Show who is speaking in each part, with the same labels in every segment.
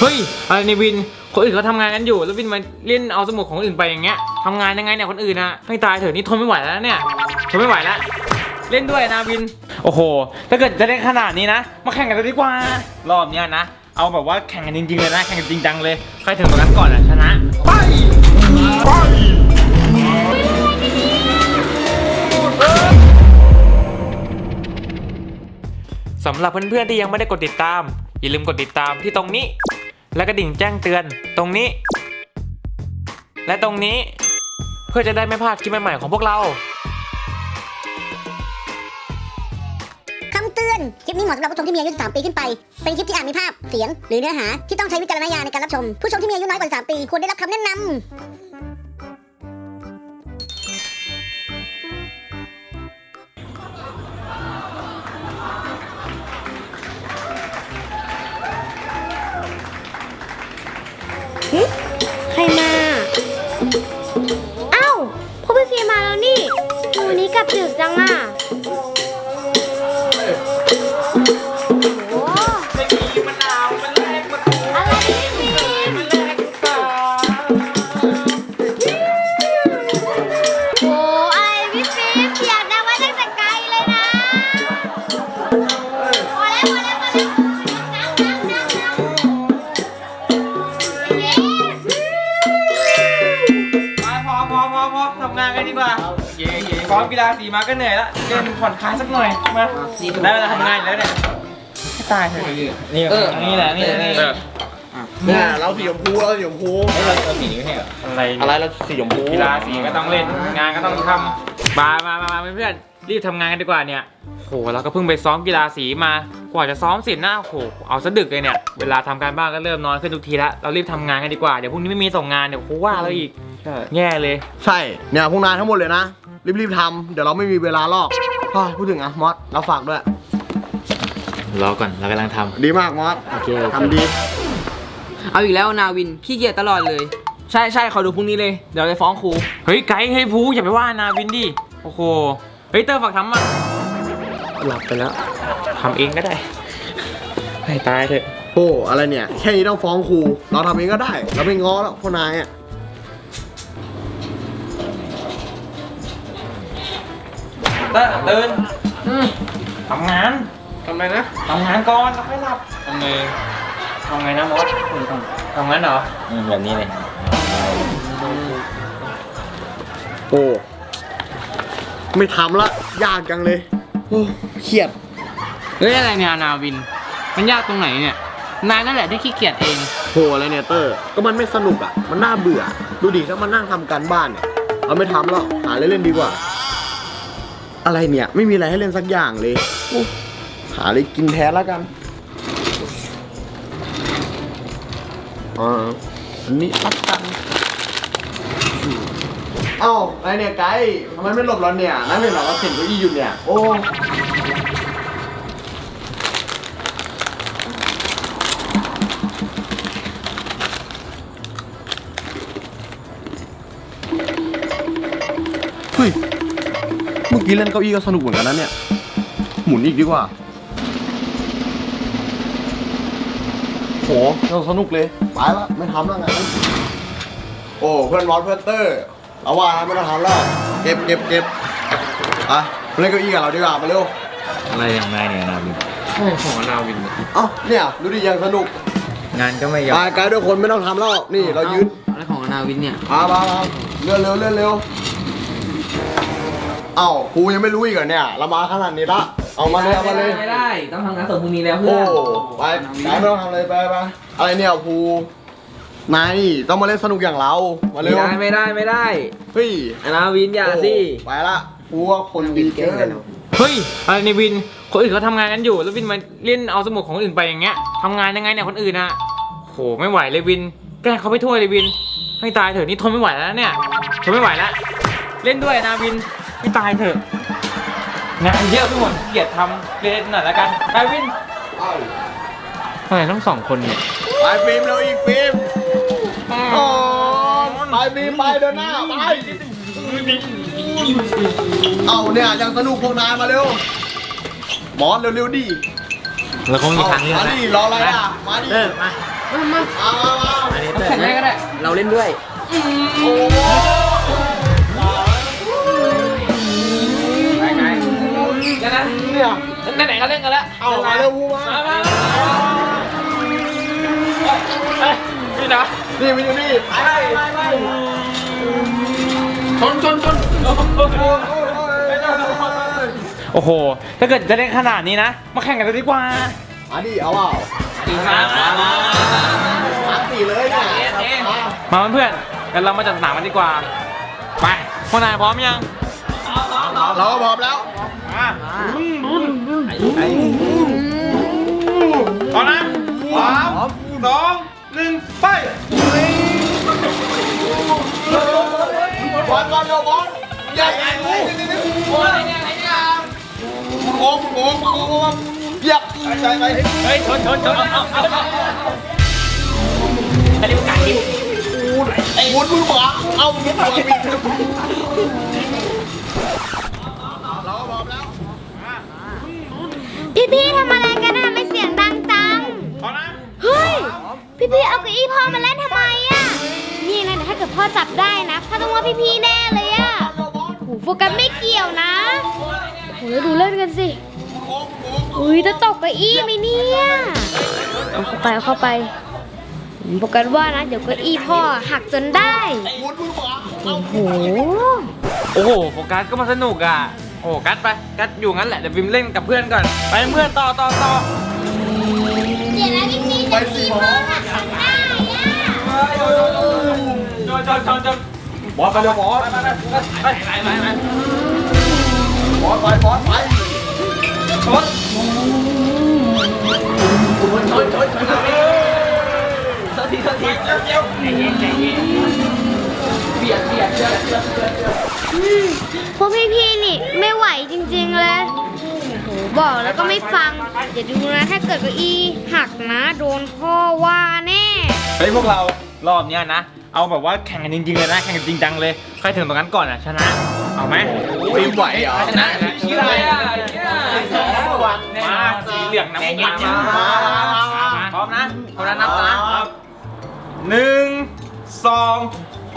Speaker 1: เฮ้ยอะไรในวินคนอื่นเขาทำงานกันอยู่แล้ววินมาเล่นเอาสมุดของคนอื่นไปอย่างเงี้ยทำงานยังไงเนี่ยคนอื่นนะให้ตายเถอะนี่ทนไม่ไหวแล้วเนี่ยทนไม่ไหวแล้วเล่นด้วยนะวินโอ้โหถ้าเกิดจะเล่นขนาดนี้นะมาแข่งกันเลยดีกว่ารอบเนี้ยนะเอาแบบว่าแข่งกันจริงๆเลยนะแข่งกันจริงจังเลยใครถึงตรงนั้นก่อนอ่ะชนะไปสำหรับเพื่อนๆที่ยังไม่ได้กดติดตามอย่าลืมกดติดตามที่ตรงนี้และกระดิ่งแจ้งเตือนตรงนี้และตรงนี้เพื่อจะได้ไม่พลาดคลิปใหม่ๆของพวกเรา
Speaker 2: คำเตือน คลิปนี้เหมาะสำหรับผู้ชมที่มีอายุ13 ปีขึ้นไป เป็นคลิปที่อาจมีภาพ เสียง หรือเนื้อหาที่ต้องใช้วิจารณญาณในการรับชม ผู้ชมที่มีอายุน้อยกว่า13 ปีควรได้รับคำแนะนำ
Speaker 3: ใครมาอ้าวพ่อพี่เฟียมาแล้วนี่วันนี้กลับดึกจังอ่ะโอ้ไม่มีมะนาวมันแรกมันอะไรพี่ฟิล์มโอ้อะไรพี่ฟิล์มอยากได้ไว้ตั้งแต่ไกลเลยนะพอแล้ว
Speaker 1: พอทำงานกันดีกว่าซ้อมกีฬาสีมาก็เหนื่อยละเล่นผ่อนคลายสักหน่อยมาได้เวลาทำงานแล้วเนี่ยให้ตายเถอะนี่แหละ
Speaker 4: เนี่ยเราสีชมพูเราสีนี้ไม่ใช่เหรออะไรเราสีชมพู
Speaker 1: กีฬาสีก็ต้องเล่นงานก็ต้องทำมาเพื่อนรีบทำงานกันดีกว่าเนี่ยโหเราก็เพิ่งไปซ้อมกีฬาสีมากว่าจะซ้อมเสร็จนะโหเอาซะดึกเลยเนี่ยเวลาทำการบ้านก็เริ่มนอนขึ้นทุกทีละเรารีบทำงานกันดีกว่าเดี๋ยวพรุ่งนี้ไม่มีส่งงานเดี๋ยวครูว่าเราอีกแย่เลย
Speaker 4: ใช่เนี่ยพวกนายทั้งหมดเลยนะรีบทำเดี๋ยวเราไม่มีเวลาลอกพูดถึงอะมอสเราฝากด้วย
Speaker 1: รอก่อนเรากำลังทำ
Speaker 4: ดีมากมอสโอเคทำดี
Speaker 5: เอาอีกแล้วนาวินขี้เกียจตลอดเลยใช่ขอดูพรุ่งนี้เลยเดี๋ยวไปฟ้องครู
Speaker 1: เฮ้ยไกด์เฮ้ยภูอย่าไปว่านาวินดิโอ้โหเฮ้ยเตอร์ฝากทำมาหลับไปแล้วทำเองก็ได้ให้ตายเถอะ
Speaker 4: โอ้อะไรเนี่ยแค่นี้ต้องฟ้องครูเราทำเองก็ได้เราไม่ง้อแล้วพวกนายอะ
Speaker 1: ตื่นทำงาน
Speaker 4: ทำไงนะ
Speaker 1: ทำงานก่อนแล้วค่อยหลับทำไงนะมอสทำงั้นเหรอแบบนี้เลย
Speaker 4: โอ้ไม่ทำละยากจังเลยโอ้เครียด
Speaker 5: เฮ้ยอะไรเนี่ยนาวินมันยากตรงไหนเนี่ยนายนั่นแหละที่ขี้เกียจเอง
Speaker 4: โหอะไรเนี่ยเตอร์ก็มันไม่สนุกอ่ะมันน่าเบื่อดูดิถ้ามานั่งทำการบ้านเนี่ยเราไม่ทำแล้วหาเล่นๆดีกว่าอะไรเนี่ยไม่มีอะไรให้เล่นสักอย่างเลยหาอะไรกินแทนแล้วกันอันนี้พักกันเอ้าอะไรเนี่ยไกด์ทำไมไม่หลบเราเนี่ยนั่นเป็นเราเห็นเก้าอี้อยู่เนี่ยโอ้เฮ้ยเมื่อกี้เล่นเก้าอี้ก็สนุกเหมือนกันนะเนี่ยหมุนอีกดีกว่าโหสนุกเลยไปละไม่ทำแล้วไงโอ้เพื่อนวอลเพื่อนเตอร์เอาว่าไม่ต้องทำแล้วเก็บอ่ะเล่นเก้าอี้กับเราดีกว่ามาเร็ว
Speaker 1: อะไรอย่างไรเนี่ยนาวินของนาวิน
Speaker 4: เนี่ยดูดิยังสนุก
Speaker 1: งานก็ไม่ยอม
Speaker 4: ไกด์ด้วยคนไม่ต้องทำแล้วนี่เรายืด
Speaker 5: อะไรของนาวินเนี่ย
Speaker 4: มาเลื่อนเร็วเอ้าครูยังไม่รู้อีกเหรอเนี่ยเรามาขนาดนี้ละเอามาเลย
Speaker 5: ไม่ได้ต้องทำงานส่งพรุ่งนี้แล้วเพื่อน
Speaker 4: ไปไกด์ไม่ต้องทำเลยไปอะไรเนี่ยครูนายต้องมาเล่นสนุกอย่างเรามาเร็ว
Speaker 5: ไม่ได้
Speaker 4: เฮ้ย
Speaker 5: นาวินอย่าสิ
Speaker 4: ไปละครูว่าคนดีเกิน
Speaker 1: เฮ้ยอะไรในวินคนอื่นเขาทำงานกันอยู่แล้ววินมาเล่นเอาสมุดของคนอื่นไปอย่างเงี้ยทำงานยังไงเนี่ยคนอื่นนะโหไม่ไหวเลยวินแกล้งเขาไปทั่วเลยวินให้ตายเถอะนี่ทนไม่ไหวแล้วเนี่ยทนไม่ไหวแล้วเล่นด้วยนาวินให้ตายเถอะงานเยอะไปหมดเกียดทำเล่นหน่อยแล้วกันไปวินทำไมต้อง2 คนเนี่ย
Speaker 4: ไปฟิล์มเราอีกฟิล์มไปฟิล์มไปเดินหน้าไปเอาเนี่ยยังสนุกพวกนายมาเร็วมอสเร็วดิ
Speaker 1: เราคงมีทางเลือก
Speaker 4: มาดิรออะไรอ่ะมาดิ
Speaker 1: มา
Speaker 5: แข่งได้ก็ได้ เราเล่นด้วย
Speaker 1: ไปไงแล้วนะเนี่ยไหนๆก็เล่นกันแล้ว
Speaker 4: เอามาเร็วพูมา
Speaker 1: มานี่นะ
Speaker 4: นี่มันอยู่นี่ไป
Speaker 5: ชน
Speaker 1: โอ้โหถ้าเกิดจะเล่นขนาดนี้นะมาแข่งกันเลยดีกว่า
Speaker 4: มาดิเอาเปล่า
Speaker 1: ดีมาก
Speaker 4: 3-4เลยเนี่ย
Speaker 1: มาเพื่อนๆกันเรามาจัดสนามกันดีกว่าไปพวกนายพร้อมยัง
Speaker 4: เราก็พร้อมแล้ว
Speaker 1: พร้อมนะ3 2 1ไป
Speaker 4: บอลเร็วบอลใหญ่โค้งเหยียบใจไหม
Speaker 1: เฮ้ยชนอันนี้มันกัดดิ
Speaker 4: หมุนมือหมาเอาหมุนมือปิดเราก็พร้อมแล้ว
Speaker 3: พี่ๆทำอะไรกันอะไม่เสียงดังจัง
Speaker 1: พร้อมนะ
Speaker 3: เฮ้ย พี่ๆเอาเก้าอี้พ่อมาเล่นทำไมอะนี่นะเดี๋ยวถ้าเกิดพ่อจับได้นะพ่อต้องว่าพี่ๆแน่เลยอะโหโฟกัสไม่เกี่ยวนะโหแล้วดูเล่นกันสิอุ้ยจะตกเก้าอี้ไหมเนี่ยเอาเข้าไปโฟกัสว่านะเดี๋ยวเก้าอี้พ่อหักจนได้
Speaker 4: หมุนมือหมา
Speaker 3: โอ้โห
Speaker 1: โอ้โหโฟกัสก็มาสนุกอ่ะโอ้กัสไปกัสอยู่งั้นแหละเดี๋ยววิมเล่นกับเพื่อนก่อนไปเพื่อนต่อ
Speaker 3: เดี๋ยวนะพี่ๆจะมีพ่อหักจนได้อะ
Speaker 1: จนบอสไปเร็วบอสไป
Speaker 4: บอลไป
Speaker 1: ชน
Speaker 3: พวกพี่ๆนี่ไม่ไหวจริงๆเลยโหบอกแล้วก็ไม่ฟังอย่าดูนะถ้าเกิดเก้าอี้หักนะโดนพ่อว่าแน่
Speaker 1: เฮ้ยพวกเรารอบเนี้ยนะเอาแบบว่าแข่งกันจริงๆเลยนะแข่งกันจริงจังเลยใครถึงตรงนั้นก่อนอ่ะชนะเอาไหม
Speaker 4: ฟิล์มไหวเหรอ
Speaker 1: ชนะชื่ออะไรอ่ะมาสีเหลืองน้ำตาลมาพร้อมนะคนละนับนะ1 2 ไป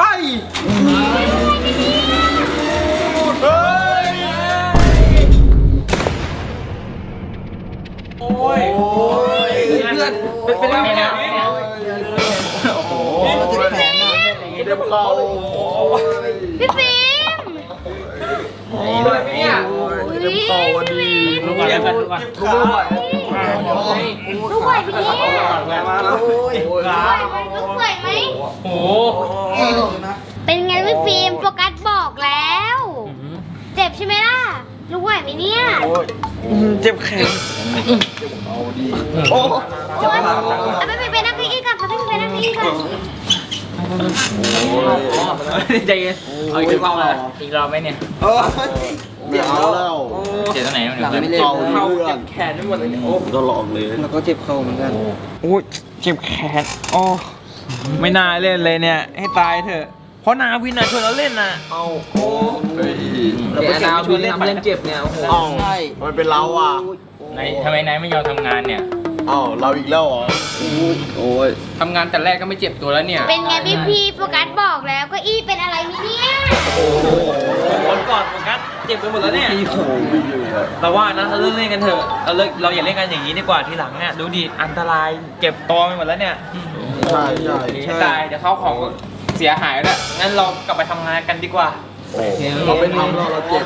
Speaker 1: โอ้ยเพื่อนเป็นยังไงเนี่ยโอ้โห
Speaker 4: เจ็บเข่า
Speaker 3: พี่ฟิล์ม
Speaker 1: นี่เลยเนี่ย
Speaker 4: เจ็บเข่าวันดี
Speaker 1: ลูกก่อนลูกก่อน
Speaker 4: ลูกไม่ไหว
Speaker 3: ลูกไหวไหมเนี่ย
Speaker 4: มาแล้ว
Speaker 3: ลูกไหวไหม
Speaker 1: โอ้
Speaker 3: เป็นไงพี่ฟิล์มโฟกัสบอกแล้ว เจ็บใช่ไหมล่ะลูกไหวไหมเนี่ย
Speaker 1: เจ็บแขน
Speaker 4: โอ้
Speaker 3: โอ๊ยเอาไปนั่งเก้าอี้ก่อนเขาไปนั่งเก้าอี้ก่อน
Speaker 1: ใจเย็นเอาอีกรอบเลยอีกรอบไหมเนี่ย
Speaker 4: เจ็บแล้ว
Speaker 1: เจ็บตรงไหนมัน
Speaker 5: หลังไม่เล่น
Speaker 4: เข่า
Speaker 1: เข้า
Speaker 4: เลือ
Speaker 1: เจ็
Speaker 4: ด
Speaker 1: บแขนไปหมดเลยโอ้
Speaker 4: ตลอดเลย
Speaker 5: แล้วก็เจ็บเข่าเหมือนกัน
Speaker 1: โอ้เจ็บแขนโอ้ไม่น่าเล่นเลยเนี่ยให้ตายเถอะเพราะนาวินอ่ะชวนเราเล่นน่ะเอาโอ้
Speaker 5: เราไปนาวินทำเล่นเจ็บเนี่ยโอ้โห
Speaker 4: เอ้า
Speaker 5: ใช่
Speaker 4: มันเป็นเราอ่ะ
Speaker 6: ไหนทำไมนายไม่ยอมทำงานเนี่ย
Speaker 4: เอ้าเราอีกแล้วเหรอโอ้ย
Speaker 6: ทำงานแต่แรกก็ไม่เจ็บตัวแล้วเนี่ย
Speaker 3: เป็นไงพี่โฟกัสบอกแล้วเก้าอี้เป็นอะไรไหมเนี่ย
Speaker 1: คนก่อนโฟกัสเจ็บไปหมดแล้วเนี่ยเราว่านะเราเลิกเล่นกันเถอะเราอย่าเล่นกันอย่างนี้ดีกว่าทีหลังเนี่ยดูดิอันตรายเจ็บตัวไปหมดแล้วเนี่ย
Speaker 4: ใช่
Speaker 1: ให้ตายเดี๋ยวเขาของเสียหายแล้วงั้นเรากลับไปทำงานกันดีกว่า
Speaker 4: เราไปทำเราเจ็บ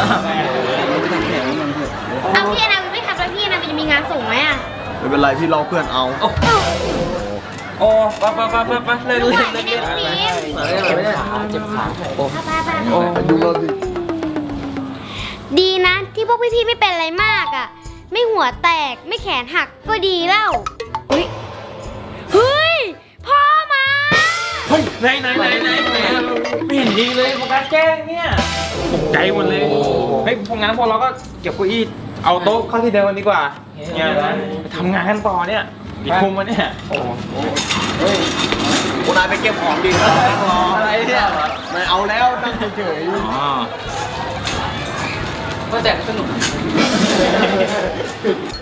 Speaker 3: เอาพี่นาวินไม่ขับแล้วพี่นาวินจะมีงานส่งไหมอ่ะ
Speaker 4: ไม่เป็นไรพี่รอเพื่อนเอา
Speaker 1: โอ้ไปเลิก
Speaker 3: ลูก
Speaker 1: เล่
Speaker 3: ไหวน ไหม
Speaker 1: เลิก
Speaker 3: เนี่
Speaker 1: เล่
Speaker 3: ย
Speaker 1: น
Speaker 3: พี่
Speaker 5: เจ็บขา
Speaker 4: โอ้ดูเราสิ
Speaker 3: ดีนะที่พวกพี่ๆไม่เป็นอะไรมากอ่ะ ไม่หัวแตกไม่แขนหักก็ดีแล้วเฮ้ยพ่อมา
Speaker 1: เฮ้ยไหนไม่เห็นดีเลยโฟกัสแกล้งเนี่ยตกใจหมดเลยเฮ้ยพวกงั้นพวกเราก็เก็บเก้าอี้เอาโต๊ะเข้าที่เดิมกันดีกว่าเนี่ยนะไปทำงานกันต่อเนี่ยอีกคุมมาเนี่ยโอ้
Speaker 4: คุณนายไปเก็บของดีนะอะไรเนี่ยไม่เอาแล้วนั่งเฉย
Speaker 1: อ๋อ
Speaker 5: ก็แต่สนุก